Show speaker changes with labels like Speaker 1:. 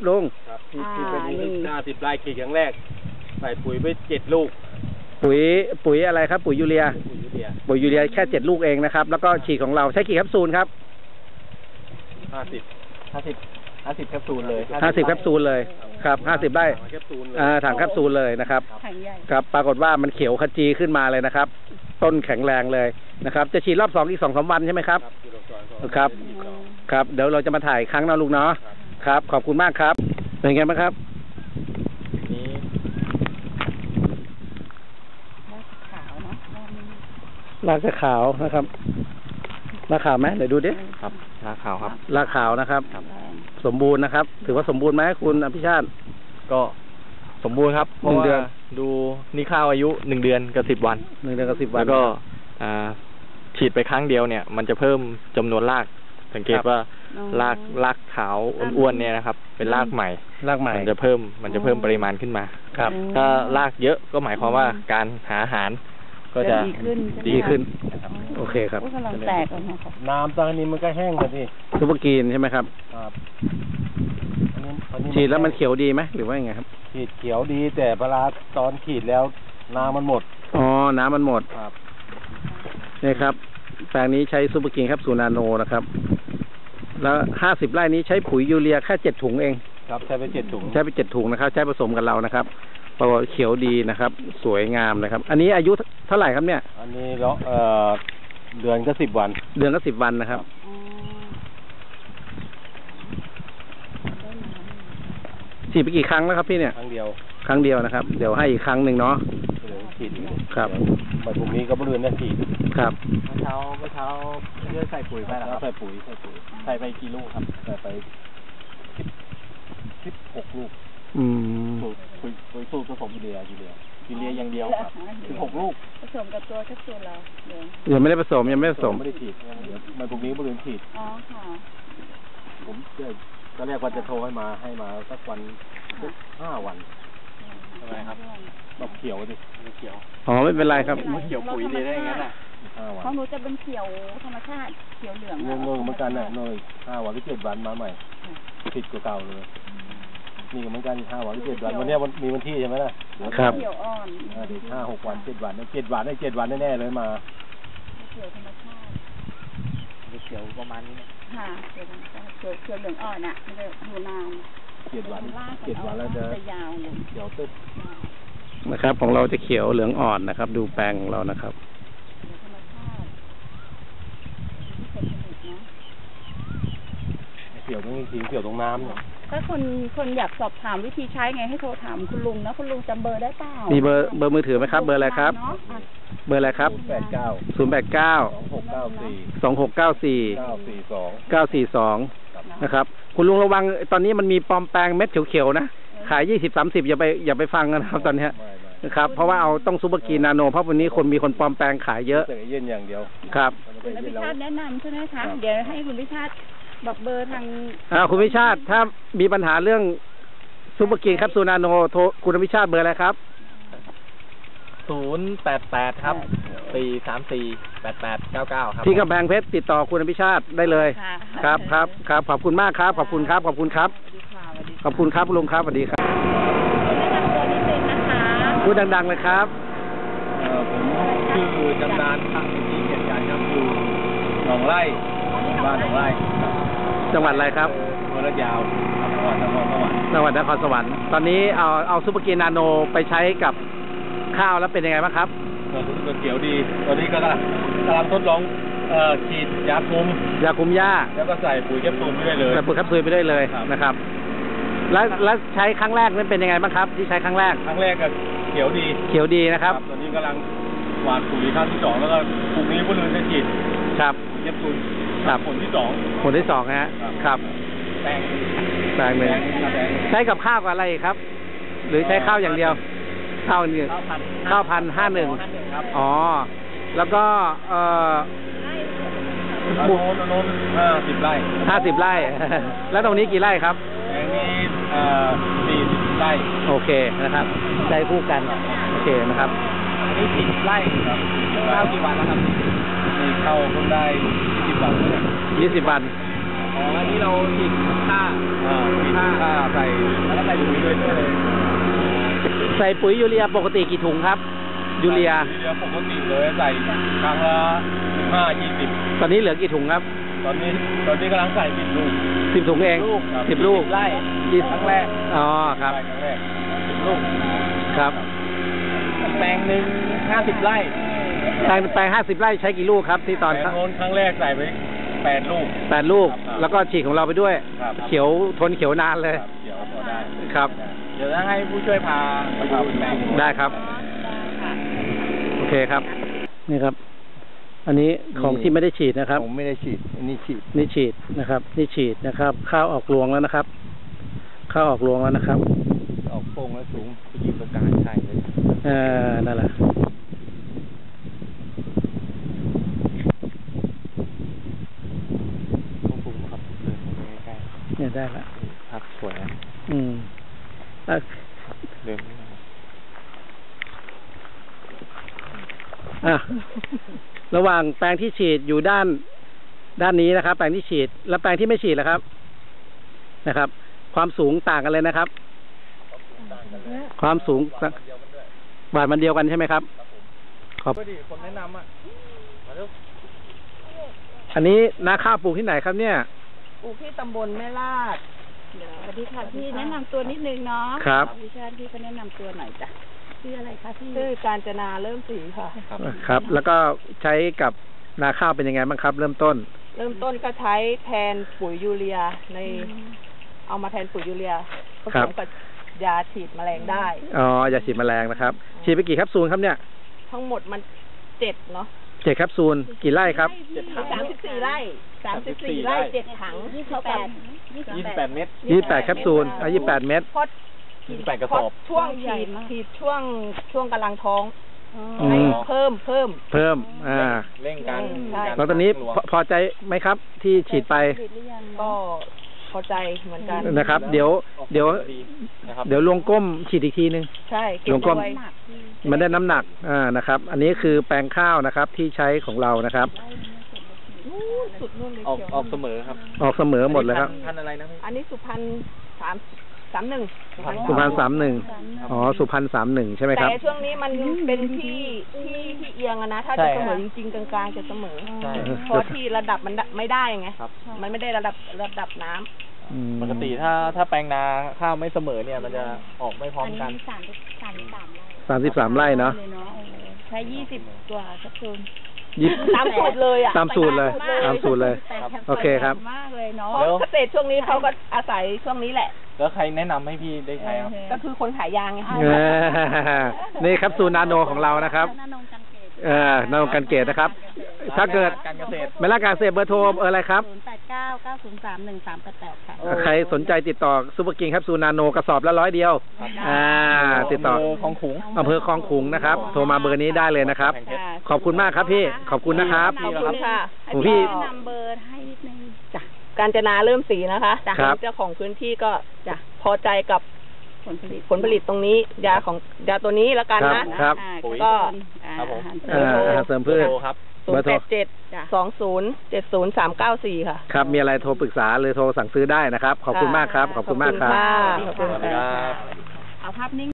Speaker 1: ลุง
Speaker 2: ครับที่เป็น50 ไร่ขีดครั้งแรกใส่ปุ๋ยไป7 ลูก
Speaker 1: ปุ๋ยอะไรครับปุ๋ยยูเรียแค่7 ลูกเองนะครับแล้วก็ฉีดของเราใช้กี่แคปซูลครับ
Speaker 2: 50 แคปซูลเลย
Speaker 1: 50 แคปซูลเลยครับ50 ไร่ถังแคปซูลเลยนะครับครับปรากฏว่ามันเขียวขจีขึ้นมาเลยนะครับต้นแข็งแรงเลยนะครับจะฉีดรอบ2อีก 2-3 วันใช่ไหมครับครับเดี๋ยวเราจะมาถ่ายครั้งนะลูกเนาะครับขอบคุณมากครับเป็นไงบ้างครับ
Speaker 3: นี้
Speaker 1: รากจะขาวนะครับรากขาวไหมเดี๋ยวดูดิ
Speaker 3: ครับรากขาวครับ
Speaker 1: รากขาวนะครับสมบูรณ์นะครับถือว่าสมบูรณ์ไหมคุณอภิชาติ
Speaker 3: ก็สมบูรณ์ครับเพราะว่าดูนี่ข้าวอายุ1 เดือนกับ10 วัน
Speaker 1: 1 เดือนกับ10 วัน
Speaker 3: แล้วก็ฉีดไปครั้งเดียวเนี่ยมันจะเพิ่มจำนวนรากสังเกตว่ารากขาวอ้วนๆเนี่ยนะครับเป็นรากใหม่มันจะเพิ่มปริมาณขึ้นมา
Speaker 1: ครับ
Speaker 3: ถ้ารากเยอะก็หมายความว่าการหาอาหารก็จะดีขึ้น
Speaker 1: โอเคครับ
Speaker 4: กำลังแตกแล้วนะครับ
Speaker 2: น้ำตอนนี้มันก็แห้งแล้วดิ
Speaker 1: ซุปเปอร์กรีนใช่ไหมครับฉีดแล้วมันเขียวดีไหมหรือว่ายังไงครับ
Speaker 2: ฉีดเขียวดีแต่เวลาตอนฉีดแล้วน้ำมันหมด
Speaker 1: น้ำมันหมด
Speaker 2: ครับ
Speaker 1: นี่ครับแปลงนี้ใช้ซุปเปอร์กรีนครับซูนาโนนะครับแล้ว50 ไร่นี้ใช้ปุ๋ยยูเรียแค่7 ถุงเอง
Speaker 2: ครับใช้ไป7 ถุง
Speaker 1: นะครับใช้ผสมกับเรานะครับปรากฏเขียวดีนะครับสวยงามนะครับอันนี้อายุเท่าไหร่ครับเนี่ย
Speaker 2: อันนี้เดือนก็10 วัน
Speaker 1: 10 วันนะครับฉีดไปกี่ครั้งแล้วครับพี่เนี่ย
Speaker 2: ครั้งเดี
Speaker 1: ยวนะครับเดี๋ยวให้อีกครั้งหนึ่งเนาะ
Speaker 2: ฉีด
Speaker 1: ครับ
Speaker 2: วันพรุ่งนี้ก็เดือนนี้ฉีด
Speaker 1: ครับ
Speaker 3: เมื่อเช้าเลือกใส่ปุ๋ยไปแล้วครับ
Speaker 2: ใส่ปุ๋ย
Speaker 3: ใส่ไปกี่ลูกครับ
Speaker 2: ใส่ไป16 ลูกปุ๋ยสูตรผสมยูเรีย
Speaker 3: อย่างเดียวครับ
Speaker 2: 16 ลูก
Speaker 4: ผสมกับตัวแคปซูลเรา
Speaker 1: ยังไม่ได้ผสมไม่
Speaker 2: ได้ฉีดวันพรุ่งนี้ก็เดือนฉีด
Speaker 4: ค่ะ
Speaker 2: ผมตอนแรกว่าจะโทรให้มาสักวัน5 วัน
Speaker 3: ทำไมครับ
Speaker 2: แบบเขียวดิ
Speaker 3: เขียว
Speaker 1: ไม่เป็นไรครับ
Speaker 3: เขียวปุ๋ยดีได้ยังไงน่ะ
Speaker 4: ของหนูจะเป็นเขียวธรรมชาติเขียวเหลือง
Speaker 2: เหมือนกันน่ะ5 วันหรือ7 วันมาใหม่ติดกว่าเก่าเลยนี่เหมือนกัน5 วันหรือ7 วันวันนี้มีวันที่ใช่ไหมล่ะ
Speaker 1: ครับ
Speaker 4: เขียวอ่อน
Speaker 2: เดี๋ยว5-6 วัน7 วัน7 วันได้7 วันแน่ๆเลยมา
Speaker 4: เขียวธรรมชาติ
Speaker 3: เขียวประมาณนี้
Speaker 4: ค่ะเขียวเหลืองอ่อนอ่ะมันจะอยู่นาน
Speaker 2: 7 วันแล้วจะ
Speaker 4: ยาวเลย
Speaker 2: เขียวตึ๊บ
Speaker 1: นะครับของเราจะเขียวเหลืองอ่อนนะครับดูแปลงของเรานะครับ
Speaker 2: เขียวตรงนี้เขียวตรงน้ำเนี่ย
Speaker 4: ถ้าคนอยากสอบถามวิธีใช้ไงให้โทรถามคุณลุงนะคุณลุงจำเบอร์ได้เปล่า
Speaker 1: มีเบอร์มือถือไหมครับเบอร์อะไรครับเบอร์อะไรครับ089 นะครับคุณลุงระวังตอนนี้มันมีปลอมแปลงเม็ดเขียวๆนะขาย20-30อย่าไปฟังนะครับตอนนี้นะครับเพราะว่าเอาต้องซุปเปอร์กรีนนาโนเพราะวันนี้มีคนปลอมแปลงขายเยอะ
Speaker 2: เย็นอย่างเดียว
Speaker 1: ครับ
Speaker 4: คุณพิชาติแนะนำใช่ไหมคะเดี๋ยวให้คุณพิชาติบอกเบอร์ทาง
Speaker 1: คุณพิชาติถ้ามีปัญหาเรื่องซุปเปอร์กรีนครับซูนาโนโทรคุณพิชาติเบอร์อะไรครับ
Speaker 3: 088ครับ4348899ครับ
Speaker 1: ที่กำแพงเพชรติดต่อคุณพิชาติได้เลยครับขอบคุณมากครับขอบคุณครับขอบคุณครับลุงครับสวัสดีครับพูดดังๆเลยครับ
Speaker 2: ผมชื่อจำนานพักที่เกียรติการครับอยู่หนองไร่บ้านหนองไร่
Speaker 1: จังหวัดอะไรครับ
Speaker 2: ระยาวจังหวัดนครสวรรค์
Speaker 1: ตอนนี้เอาซุปเปอร์กรีนนาโนไปใช้กับข้าวแล้วเป็นยังไงบ้างครับ
Speaker 2: ก็เขียวดีตอนนี้ก็กำลังทดลองฉีดยาคุมห
Speaker 1: ญ้า
Speaker 2: แล้วก็ใส่ปุ๋ยแคปซูลไปได้เลย
Speaker 1: นะครับแล้วใช้ครั้งแรกนั้นเป็นยังไงบ้างครับที่ใช้ครั้งแรก
Speaker 2: ก็เขียวดี
Speaker 1: นะครับ
Speaker 2: ตอนนี้กำลังหว่านปุ๋ยครั้งที่2แล้วก็พรุ่งนี้พวกเราจะฉีด
Speaker 1: ครับ
Speaker 2: ปุ๋ยแคปซูลผลที่
Speaker 1: 2ฮะครับแปลงหนึ่งใช้กับข้าวกับอะไรครับหรือใช้ข้าวอย่างเดียวข้าวพัน51
Speaker 2: ครับ
Speaker 1: แล้วก็
Speaker 2: โน้น50 ไร่
Speaker 1: แล้วตรงนี้กี่ไร่ครับ
Speaker 2: แปลงนี้40 ไร่
Speaker 1: โอเคนะครับได้คู่กันโอเคนะครับ
Speaker 3: อันนี้40 ไร่ครับเข้ากี่วันแล้วครับ
Speaker 2: นี่เข้าเพิ่งได้20 วัน
Speaker 1: 20 วัน
Speaker 3: อันนี้เราฉีดค่า
Speaker 2: ฉีดค่าใส่แล้วก็ใส่ปุ๋ยด้วยเลย
Speaker 1: ใส่ปุ๋ยยูเรียปกติกี่ถุงครับยูเรีย
Speaker 2: ปกติเลยใส่ครั้งละ15-20
Speaker 1: ตอนนี้เหลือกี่ถุงครับ
Speaker 2: ตอนนี้กำลังใส่10 ลูก
Speaker 1: 10 ถุงเอง10 ลูก
Speaker 2: ไร่ครั้งแรก
Speaker 1: อ๋อครับ
Speaker 2: ครั้งแรก10 ลูก
Speaker 1: ครับ
Speaker 2: แปลงหนึ่ง50 ไร่
Speaker 1: แปลง50 ไร่ใช้กี่ลูกครับที่ตอน
Speaker 2: ครั้งแรกใส่ไป8 ลูก
Speaker 1: 8 ลูกแล้วก็ฉีดของเราไปด้วยเขียวทนเขียวนานเลย
Speaker 2: เขียวพอได้
Speaker 1: ครับ
Speaker 3: เดี๋ยวจะให้ผู้ช่วยพาไปดูแปลง
Speaker 1: ได้ครับโอเคครับนี่ครับอันนี้ของที่ไม่ได้ฉีดนะครับ
Speaker 2: ผมไม่ได้ฉีดนี่ฉีด
Speaker 1: นะครับนี่ฉีดนะครับข้าวออกรวงแล้วนะครับข้าวออกรวงแล้วนะครับ
Speaker 2: ออกโป่งแล้วสูงไปยืนตรงกลางใช่เลย
Speaker 1: นั่นแหละเนี่ยได้ละ
Speaker 3: พักสวยเดิน
Speaker 1: ระหว่างแปลงที่ฉีดอยู่ด้านนี้นะครับแปลงที่ฉีดและแปลงที่ไม่ฉีดแล้วครับนะครับความสูงต่างกันเลยนะครับความสูงบาทมันเดียวกันใช่ไหมครับครับ
Speaker 3: คนแนะนำ
Speaker 1: อันนี้นาข้าวปลูกที่ไหนครับเนี่ย
Speaker 4: ปลูกที่ตำบลแม่ลาดสวัสดีค่ะพี่แนะนำตัวนิดนึงเนาะ
Speaker 1: ครับ
Speaker 4: ดิฉันพี่ก็แนะนำตัวหน่อยจ้ะชื่ออะไรคะพี่ชื่อกาญจนาเริ่มศรีค่ะ
Speaker 1: ครับแล้วก็ใช้กับนาข้าวเป็นยังไงบ้างครับเริ่มต้น
Speaker 4: ก็ใช้แทนปุ๋ยยูเรียเอามาแทนปุ๋ยยูเรียผสมกับยาฉีดแมลงได้
Speaker 1: ยาฉีดแมลงนะครับฉีดไปกี่แคปซูลครับเนี่ย
Speaker 4: ทั้งหมดมัน7เนาะ
Speaker 1: 7 แคปซูลกี่ไร่ครับ
Speaker 4: 34 ไร่34 ไร่7 ถัง
Speaker 3: 28 เม็ด
Speaker 1: 28 แคปซูล28 เม็ด
Speaker 3: 28 กระสอบ
Speaker 4: ช่วงฉีดช่วงกำลังท้องให้เพิ่ม
Speaker 3: เร่งกัน
Speaker 1: แล้วตอนนี้พอใจไหมครับที่ฉีดไป
Speaker 4: ก็พอใจเหมือนกัน
Speaker 1: นะครับเดี๋ยวลงก้มฉีดอีกทีนึง
Speaker 4: ใช่
Speaker 1: ลงก้มมันได้น้ำหนักนะครับอันนี้คือแปลงข้าวนะครับที่ใช้ของเรานะครับ
Speaker 3: ออกเสมอครับ
Speaker 1: ออกเสมอหมดเลยครับ
Speaker 3: พันอะไรนะ
Speaker 4: อันนี้สุพรรณ31
Speaker 1: สุพรรณ31สุพรรณ31ใช่ไหมครับ
Speaker 4: แต่ช่วงนี้มันเป็นที่เอียงนะถ้าจะเสมอจริงๆกลางๆจะเสมอเพราะที่ระดับมันไม่ได้ไงมันไม่ได้ระดับน้ำ
Speaker 3: ปกติถ้าแปลงนาข้าวไม่เสมอเนี่ยมันจะออกไม่พร้อมกัน
Speaker 1: 33 ไร่เนาะ
Speaker 4: ใช้20 ตัวสักคนตามสูตรเลย
Speaker 1: ตามสูตรเลยโอเคครับ
Speaker 4: มากเลยเนาะเกษตรช่วงนี้เขาก็อาศัยช่วงนี้แหละ
Speaker 3: แล้วใครแนะนำให้พี่ได้ใช้ครับ
Speaker 4: ก็คือคนขายยางไง
Speaker 1: นี่ครับซูนาโนของเรานะครับนาโนกันเกตนะครับถ้าเกิดไม่ละการเกษตรเบอร์โทรอะไรครับ
Speaker 4: 0899031388ค่ะ
Speaker 1: ใครสนใจติดต่อซุปเปอร์กิงครับซูนาโนกระสอบละ100 เดียวติดต่ออำเภอคลองขุงนะครับโทรมาเบอร์นี้ได้เลยนะครับขอบคุณมากครับพี่ขอบคุณนะครับ
Speaker 4: ขอบคุณค่ะ
Speaker 1: พี่
Speaker 4: นำเบอร์ให้นิดนึงจ้ะกาญจนาเริ่มศรีนะคะเจ้าของพื้นที่ก็จะพอใจกับผลผลิตตรงนี้ยาตัวนี้แล้วกันนะครับก็
Speaker 1: อาหารเสริมพืช
Speaker 3: ครับ
Speaker 4: 087-2070-394ค่ะ
Speaker 1: ครับมีอะไรโทรปรึกษาหรือโทรสั่งซื้อได้นะครับขอบคุณมากครับขอบคุณมากครับ
Speaker 3: ขอบคุณครับ
Speaker 4: เอาภาพนิ่ง